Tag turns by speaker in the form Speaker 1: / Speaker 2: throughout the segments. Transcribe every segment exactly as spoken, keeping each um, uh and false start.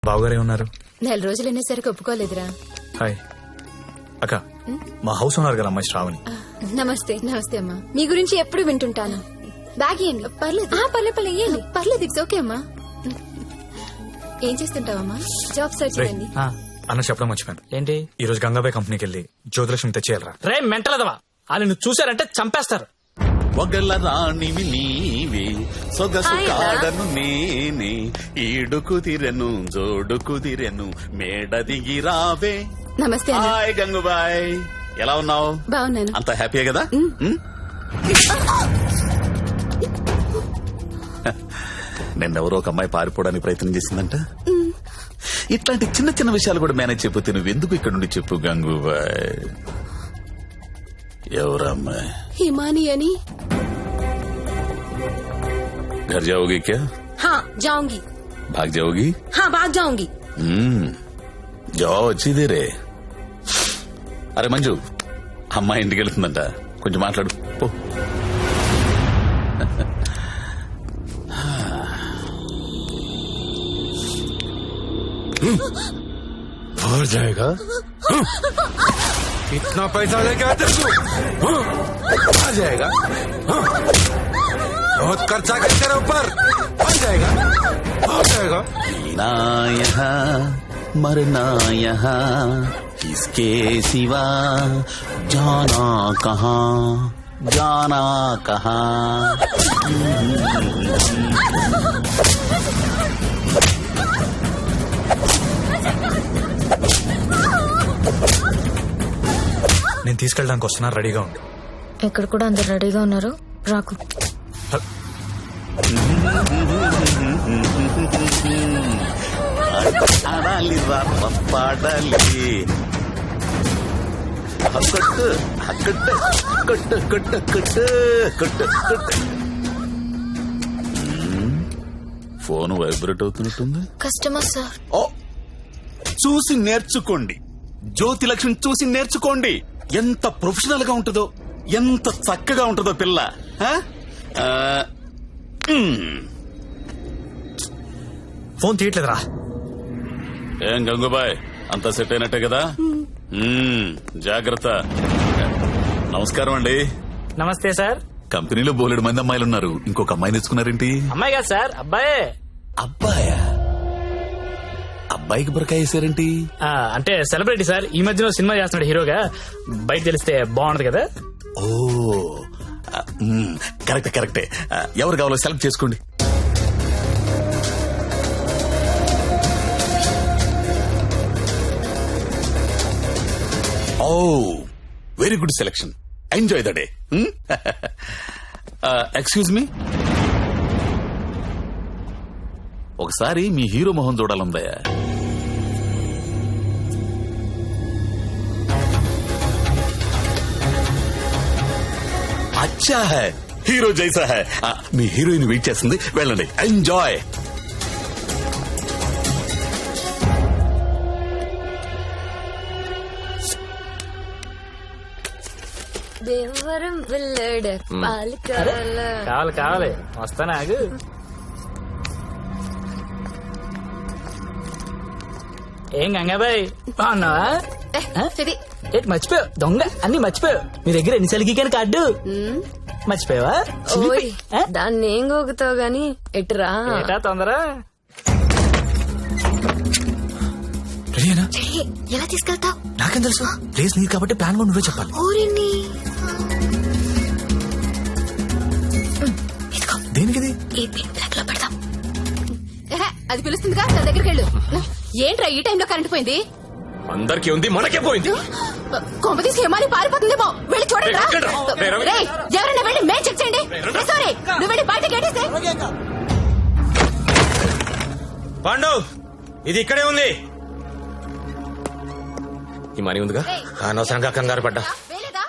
Speaker 1: బావగారే ఉన్నారు.
Speaker 2: నెల రోజులు అనేసరికి ఒప్పుకోలేదురా.
Speaker 1: హాయ్ అక్క, మా హౌస్ ఉన్నారు కదా అమ్మాయి శ్రావణి.
Speaker 2: నమస్తే. నమస్తే అమ్మా. మీ గురించి ఎప్పుడు వింటుంటాను. బ్యాగ్ ఇవ్వండి. పర్లేదు పర్లేదు పర్లేదు ఇవ్వండి. పర్లేదు ఇట్స్ ఓకే అమ్మా. ఏం చేస్తుంటావమ్మా? జాబ్ సర్చ్
Speaker 1: రేయ్,
Speaker 2: చేయండి.
Speaker 1: అన్న చెప్పడం మర్చిపోయాను.
Speaker 3: ఏంటి?
Speaker 1: ఈ రోజు గంగాబాయ్ కంపెనీకి వెళ్ళి జ్యోతిలక్ష్మి తెచ్చేయాలరా.
Speaker 3: రే మెంటలదవా, వాళ్ళు నువ్వు చూసారంటే చంపేస్తారు.
Speaker 4: ఒగల రాణివి నీవే సొగసు కాడను నేనే ఈడు కుదిరెను జోడు కుదిరెను మేడ దిగి రావే.
Speaker 2: నమస్తే అన్న.
Speaker 4: హాయ్ గంగుబాయ్, ఎలా ఉన్నావు?
Speaker 2: బాగున్నాను.
Speaker 4: అంత హ్యాపీయే కదా? ఉమ్? నిన్నెవరో ఒక అమ్మాయి పారిపోవడానికి ప్రయత్నం చేసిందంట. ఇట్లాంటి చిన్న చిన్న విషయాలు కూడా మేనేజ్ చెప్పితే నువ్వెందుకు ఇక్కడ నుండి చెప్పు గంగుబాయ్. ఎవరమ్మాయి?
Speaker 2: హిమాని అని.
Speaker 4: घर जाओगी क्या?
Speaker 5: हाँ जाऊंगी.
Speaker 4: भाग जाओगी?
Speaker 5: हाँ भाग जाऊंगी.
Speaker 4: हम्म जाओ अच्छी देर है. అరే మంజు, అమ్మాయి ఇంటికి వెళ్తుందంట, కొంచెం మాట్లాడు పో.
Speaker 6: भर जाएगा. इतना पैसा लेके आते तू आ जाएगा. बहुत खर्चा कर तेरे ऊपर. आ जाएगा आ जाएगा.
Speaker 4: ना यहाँ मरना यहाँ इसके सिवा जाना कहाँ जाना कहाँ.
Speaker 1: నేను తీసుకెళ్ళడానికి వస్తున్నా, రెడీగా ఉండు.
Speaker 5: ఇక్కడ కూడా అందరు రెడీగా ఉన్నారు, రాకు.
Speaker 4: ఆడాలి పాడాలి కొట్టు కొట్టు కొట్టు కొట్టు కొట్టు కొట్టు కొట్టు. ఫోన్ వైబ్రేట్ అవుతున్నట్టుంది.
Speaker 5: Customer sir.
Speaker 4: ఓ, చూసి నేర్చుకోండి. జ్యోతి లక్ష్మి చూసి నేర్చుకోండి. ఎంత ప్రొఫెషనల్ గా ఉంటుందో, ఎంత చక్కగా ఉంటుందో పిల్ల. ఆ? ఆ, మ్.
Speaker 1: ఫోన్ తీయట్లేదురా.
Speaker 4: ఏం గంగుబాయ్, అంతా సెట్ అయినట్టే కదా? మ్మ్, జాగ్రత్త. నమస్కారం అండి.
Speaker 3: నమస్తే సార్.
Speaker 4: కంపెనీలో బోలెడు మంది అమ్మాయిలు ఉన్నారు, ఇంకొక అమ్మాయి తెచ్చుకున్నారేంటి?
Speaker 3: అమ్మాయి కాదు సార్, అబ్బాయే.
Speaker 4: అబ్బాయా? అబ్బాయికి బురకాయ వేసారేంటి?
Speaker 3: ఆ, అంటే సెలబ్రిటీ సార్, ఈ మధ్యలో సినిమా చేస్తున్నాడు హీరోగా. బయట తెలిస్తే బాగుంటది కదా.
Speaker 4: ఓ మ్మ్, కరెక్టే కరెక్టే. ఎవరు కావాలో సెలెక్ట్ చేసుకోండి. Oh very good selection. Enjoy the day. Excuse me, ఒకసారి మీ హీరో మొహం చూడాలందయ్యా. అచ్చా హై, హీరో జైసా హై. మీ హీరోయిన్ వెయిట్ చేస్తుంది, వెళ్ళండి. ఎంజాయ్.
Speaker 5: దేవరం వెళ్ళాడ పాలకాల.
Speaker 3: కావాలి కావాలి, వస్తానా ఆగు. ఏం గంగాబాయ్ బాగున్నావా? ఏంటి మర్చిపోయావు? దొంగ అన్ని మర్చిపోయావు. మీ దగ్గర ఎన్నిసార్లు గీకాను కార్డు మర్చిపోయావా?
Speaker 5: ఓయ్ దాన్ని ఏం గోగుతావు గాని ఎటురా.
Speaker 3: ఏటా తొందర?
Speaker 1: రెడీనా?
Speaker 2: ఎలా తీసుకెళ్తావు?
Speaker 1: నాకేం తెలుసు, ప్లేస్ నీది కాబట్టి ప్లాన్ కూడా నువ్వే చెప్పాలి.
Speaker 2: ఊరిని
Speaker 1: దేనికిది?
Speaker 2: ఈ పిన్ బ్లాక్ లో పెడతాం. అది పిలుస్తుందిగా, తన దగ్గరికి వెళ్ళు. ఏంట్రా ఈ టైంలో కరెంట్ పోయింది?
Speaker 6: అందరికీ ఉంది, మనకే పోయింది.
Speaker 2: కొంపతీసి హిమాని పారిపోతుందేమో, వెళ్ళి చూడండి రా. రేయ్, ఎవరైనా వెళ్ళి మేం చెక్ చేయండి. సారీ, నువ్వు వెళ్ళి బయట గేటేస్తే.
Speaker 6: పాండు, ఇది ఇక్కడే ఉంది. ఈ మనీ ఉందిగా, అనవసరంగా కంగారు పడ్డా.
Speaker 2: వేలేదా?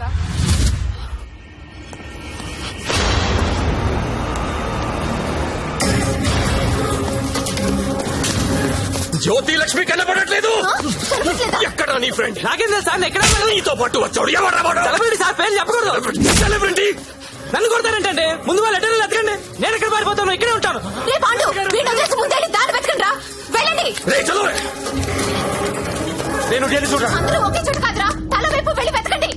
Speaker 6: జ్యోతి లక్ష్మి కనపడట్లేదు. ఎక్కడ నీ ఫ్రెండ్?
Speaker 3: నాకేం తెలుసు సార్, ఎక్కడ
Speaker 6: నీతో పాటు వచ్చాడు. ఎవరా వాడు?
Speaker 3: సెలబ్రిటీ సార్, పేరు చెప్పకూడదు.
Speaker 6: సెలబ్రిటీ
Speaker 3: నన్ను కొడతారంటే ముందు వాళ్ళు ఎక్కడ ఎత్తకండి. నేను ఎక్కడ పారిపోతాను, ఇక్కడే ఉంటాను.
Speaker 2: రే పాండు, వీడిని వదిలేసి ముందే దారి వెతకండి రా. వెళ్ళండి. వెళ్ళండి.
Speaker 6: రేయ్, చలో రే. నేను వెళ్ళి చూడరా.
Speaker 2: అందరూ ఒకే చోటు కాదురా, తల వైపు వెళ్ళి వెతకండి.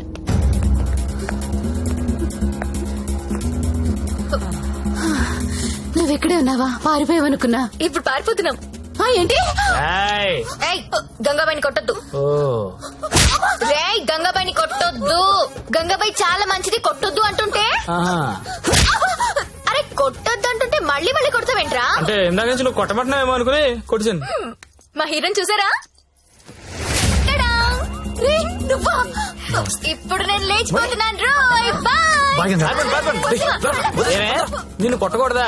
Speaker 2: నువ్వెక్కడే ఉన్నావా? పారిపోయావనుకున్నా.
Speaker 5: ఇప్పుడు పారిపోతున్నాం.
Speaker 2: ఆ, ఏంటి?
Speaker 3: ఏయ్.
Speaker 5: ఏయ్ గంగాబాయిని కొట్టొద్దు.
Speaker 3: ఓ
Speaker 5: రేయ్ గంగాబాయిని కొట్టొద్దు. గంగాబాయి చాలా మంచిది, కొట్టొద్దు అంటుంటే.
Speaker 3: ఆహా.
Speaker 5: అరే కొట్టొద్దు అంటుంటే మళ్ళీ మళ్ళీ కొడతావేంట్రా?
Speaker 3: అంటే ఇందాక నుంచి నువ్వు కొట్టబట్టినావేమో అనుకుని కొట్టించాను.
Speaker 5: మా హీరోని చూసారా? టడా! రేయ్, నువ్వా? ఇప్పుడు నేను లేచిపోతున్నాను రోయ్. బాయ్.
Speaker 1: బాయ్ గంగా.
Speaker 3: ఏమే నిన్ను కొట్టకూడదా?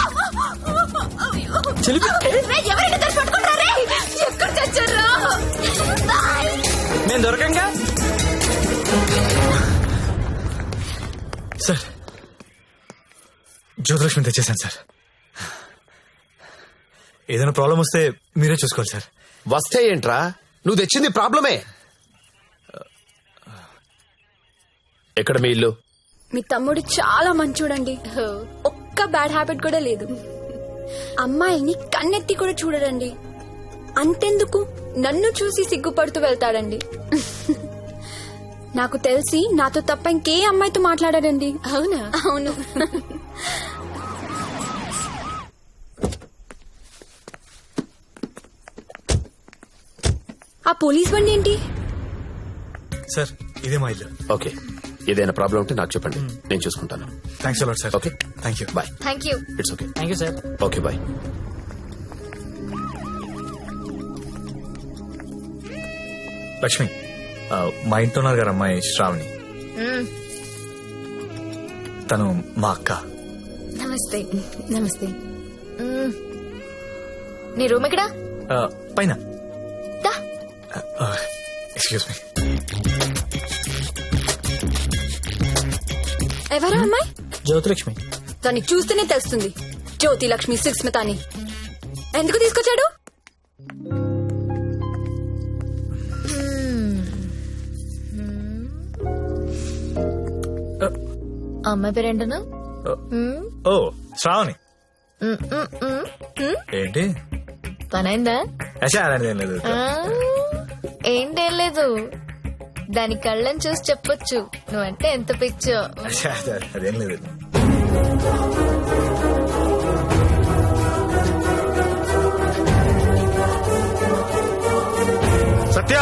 Speaker 3: చిలిపి.
Speaker 5: రేయ్, ఎవరైనా దాన్ని పట్టుకుంటారా? రేయ్, ఎక్కడ చచ్చారా? బాయ్.
Speaker 3: నేను దొరకంగా.
Speaker 1: సార్ జ్యోతిలక్ష్మి తెచ్చేసాను సార్. ఏదైనా ప్రాబ్లం వస్తే మీరే చూసుకోవాలి సార్.
Speaker 6: వస్తే ఏంట్రా, నువ్వు తెచ్చింది ప్రాబ్లమే. ఎక్కడ మీ ఇల్లు?
Speaker 2: మీ తమ్ముడు చాలా మంచోడండి. ఒక్క బ్యాడ్ హ్యాబిట్ కూడా లేదు. అమ్మాయిని కన్నెత్తి కూడా చూడడండి. అంతెందుకు నన్ను చూసి సిగ్గుపడుతూ వెళ్తాడండి. నాకు తెలిసి నాతో తప్ప ఇంకే అమ్మాయితో మాట్లాడాడండి. అవునా? అవును. ఆ పోలీస్ బండి ఏంటి?
Speaker 1: సార్ ఇదే మా ఇల్లు.
Speaker 6: ఓకే, ఏదైనా ప్రాబ్లం ఉంటే నాకు చెప్పండి, నేను చూసుకుంటాను.
Speaker 1: Thanks a lot sir.
Speaker 6: Okay,
Speaker 1: thank you.
Speaker 6: Bye.
Speaker 5: Thank you.
Speaker 6: It's okay.
Speaker 3: Thank you sir.
Speaker 6: Okay bye.
Speaker 1: Lakshmi, ఆ, మా ఇంట్లో ఉన్నారు గారు అమ్మాయి శ్రావణి. తను మా అక్క.
Speaker 5: నమస్తే.
Speaker 2: నమస్తే.
Speaker 5: నీ రూమ్ ఎక్కడా?
Speaker 1: ఆ, పైన.
Speaker 5: దా.
Speaker 1: Excuse me.
Speaker 2: ఎవరా అమ్మాయి?
Speaker 3: జ్యోతిలక్ష్మి.
Speaker 2: దాన్ని చూస్తేనే తెలుస్తుంది. జ్యోతి లక్ష్మి సుస్మిత అని. ఎందుకు తీసుకొచ్చాడు?
Speaker 5: అమ్మాయి పేరేంటనా?
Speaker 1: ఓ శ్రావణి. ఏంటి?
Speaker 5: పనైందా?
Speaker 1: అచ్చా, అలాంటిది ఏం లేదు.
Speaker 5: ఏంటేం లేదు, దాని కళ్ళని చూసి చెప్పొచ్చు నువ్వంటే ఎంత పిచ్చో.
Speaker 1: అచ్చా, అదేం లేదు.
Speaker 7: సత్య,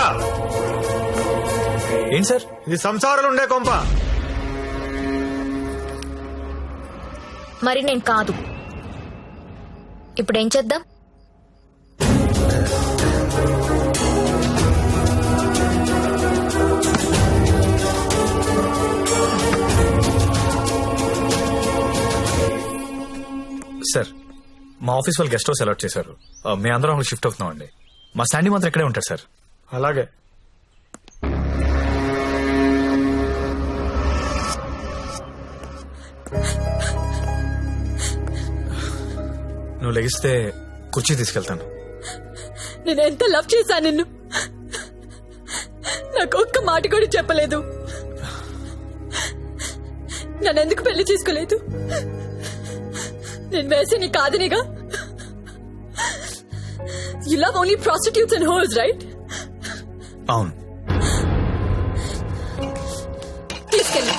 Speaker 1: ఏంటి సార్?
Speaker 7: ఇది సంసారాలు ఉండే కొంప.
Speaker 5: మరి నేను కాదు. ఇప్పుడు ఏం చేద్దాం?
Speaker 1: సార్, మా ఆఫీస్ వాళ్ళు గెస్ట్ హౌస్ అలాట్ చేశారు. ఆ, మేము అందరం అక్కడ షిఫ్ట్ అవుతున్నాం అండి. మా స్టాండీ మాత్రం ఇక్కడే ఉంటారు సార్.
Speaker 7: అలాగే.
Speaker 1: నువ్వు లెగిస్తే కుర్చీ తీసుకెళ్తాను.
Speaker 2: నేను ఎంత లవ్ చేశా నిన్ను. నాకు ఒక్క మాట కూడా చెప్పలేదు. నన్నెందుకు పెళ్లి చేసుకోలేదు? నేను వేసే నీ కాదనిగా. You love only prostitutes and holes, right?
Speaker 1: అవును.
Speaker 2: తీసుకెళ్ళి.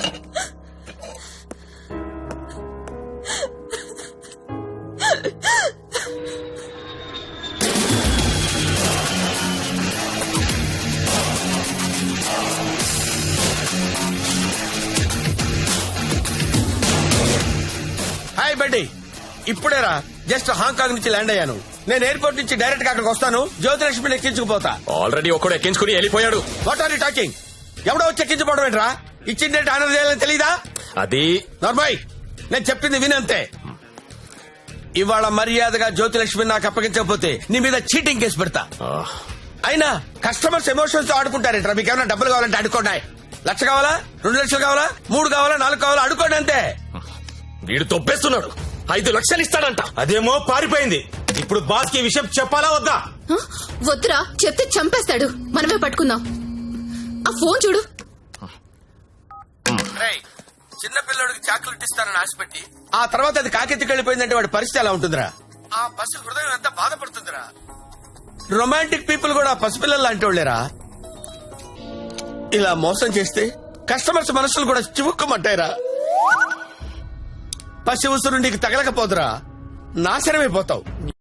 Speaker 6: హాయ్ బడ్డీ, ఇప్పుడేరా జస్ట్ హాంకాంగ్ నుంచి ల్యాండ్ అయ్యాను. నేను ఎయిర్పోర్ట్ నుంచి డైరెక్ట్ గా అక్కడికి వస్తాను. జ్యోతిలక్ష్మిని ఎక్కించుకుపోతా.
Speaker 4: ఆల్రెడీ ఒక్కడు ఎక్కించుకుని వెళ్ళిపోయాడు.
Speaker 6: What are you talking? ఎవడో వచ్చి ఎక్కించుకోవడం ఏంట్రా? ఇచ్చిండే ఆనర్ చేయాలని తెలీదా?
Speaker 4: అది
Speaker 6: నార్మాయ్, నేను చెప్పింది వినంతే. ఇవాళ మర్యాదగా జ్యోతిలక్ష్మిని నాకు అప్పగించకపోతే నీ మీద చీటింగ్ కేసు పెడతా. అయినా కస్టమర్స్ ఎమోషన్స్ తో ఆడుకుంటారేంట్రా? మీకు ఏమైనా డబ్బులు కావాలంటే అడుకోండి. లక్ష కావాలా, రెండు లక్షలు కావాలా, మూడు కావాలా, నాలుగు కావాలా, అడుకోండి అంతే.
Speaker 4: వీడు తొప్పేస్తున్నాడు. ఐదు లక్షలు ఇస్తాడంట.
Speaker 7: అదేమో పారిపోయింది. ఇప్పుడు బాస్ కి విషయం చెప్పాలా వద్దా?
Speaker 2: వద్దురా, చెప్తే చంపేస్తాడు. మనమే పట్టుకుందాం. ఆ ఫోన్ చూడు.
Speaker 6: చిన్న పిల్లడికి చాక్లెట్ ఇస్తానని ఆశపెట్టి ఆ తర్వాత అది కాకెత్తికి వెళ్ళిపోయిందంటే వాడి పరిస్థితి ఎలా ఉంటుందిరా? ఆ పసి హృదయం ఎంత బాధపడుతుందిరా. రొమాంటిక్ పీపుల్ కూడా పసిపిల్లలు లాంటి వాళ్ళేరా. ఇలా మోసం చేస్తే కస్టమర్స్ మనసులు కూడా చివుక్కుమంటాయిరా. పసి ఉసురు నీకు తగలకపోదురా, నాశనమైపోతావు.